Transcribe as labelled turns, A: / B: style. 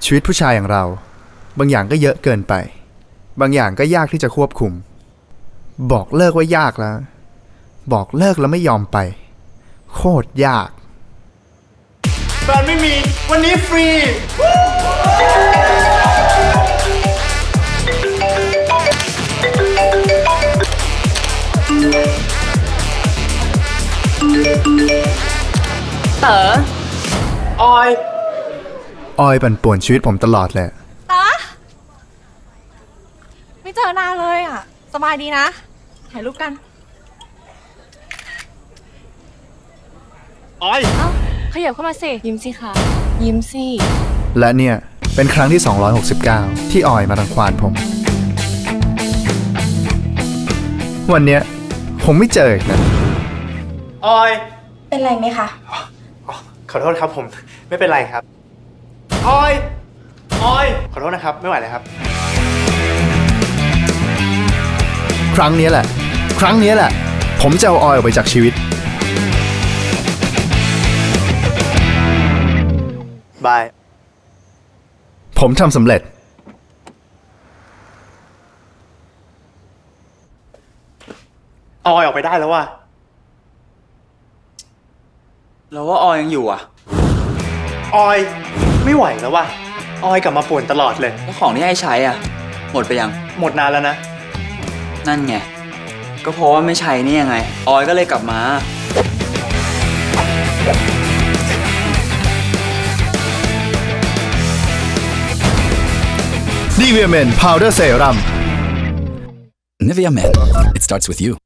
A: ชีวิตผู้ชายอย่างเราบางอย่างก็เยอะเกินไปบางอย่างก็ยากที่จะควบคุมบอกเลิกว่ายากแล้วบอกเลิกแล้วไม่ยอมไปโคตรยาก
B: แฟนไม่มีวันนี้ฟรี
C: เต๋อ
B: ออย
A: ปั่นป่วนชีวิตผมตลอดเลย
C: ตาไม่เจอนานเลยอ่ะสบายดีนะถ่ายรูปกัน
B: ออย
C: เอ้าขยับเข้ามาสิยิ้มสิคะยิ้มสิ
A: และเนี่ยเป็นครั้งที่269ที่ออยมารังควานผมวันเนี้ยคงไม่เจออีกนะ
B: ออย
C: เป็นไรไหมคะ
B: ขอโทษครับผมไม่เป็นไรครับออยขอโทษนะครับไม่ไหวเลยครับ
A: ครั้งนี้แหละผมจะเอาออยออกไปจากชีวิต
B: บาย
A: ผมทำสำเร็จ
B: ออยออกไปได้แล้วว่ะ
D: แล้วว่าออยยังอยู่อ่ะ
B: ออยไม่ไหวแล้วว่ะออยกลับมาป่วนตลอดเลย
D: แล้วของที่ให้ใช้อ่ะ หมดไปยัง
B: หมดนานแล้วนะ
D: นั่นไง ก็เพราะว่าไม่ใช้นี่ยังไง ออยก็เลยกลับมา
A: Nivea Men Powder Serum
E: Nivea Men. It starts with you.